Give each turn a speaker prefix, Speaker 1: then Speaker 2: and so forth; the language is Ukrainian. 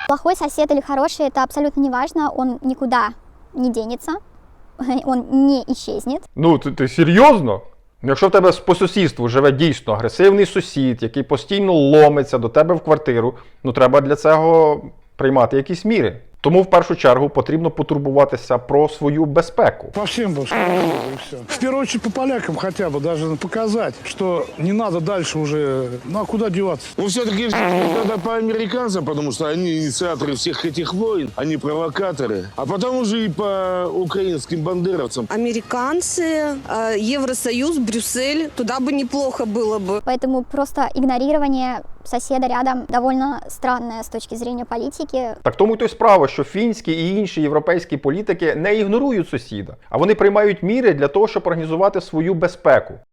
Speaker 1: Плохой сосед или хороший, это абсолютно не важно, он никуда не денется, он не исчезнет.
Speaker 2: Ну, ти серйозно? Якщо в тебе по сусідству живе дійсно агресивний сусід, який постійно ломиться до тебе в квартиру, ну треба для цього приймати якісь міри. Тому в першу чергу потрібно потурбуватися про свою безпеку.
Speaker 3: По всем бы и все. В первую очередь по полякам хотя бы даже показать, что не надо дальше уже, ну а куда деваться?
Speaker 4: Ну, все-таки надо по американцам, потому что они инициаторы всех этих войн, они провокаторы. А потом уже и по украинским бандеровцам.
Speaker 5: Американцы, Евросоюз, Брюссель, туда бы неплохо было бы.
Speaker 1: Поэтому просто игнорирование соседа рядом довольно странное с точки зрения политики.
Speaker 2: Так тому й то й справа, що фінські і інші європейські політики не ігнорують сусіда, а вони приймають міри для того, щоб організувати свою безпеку.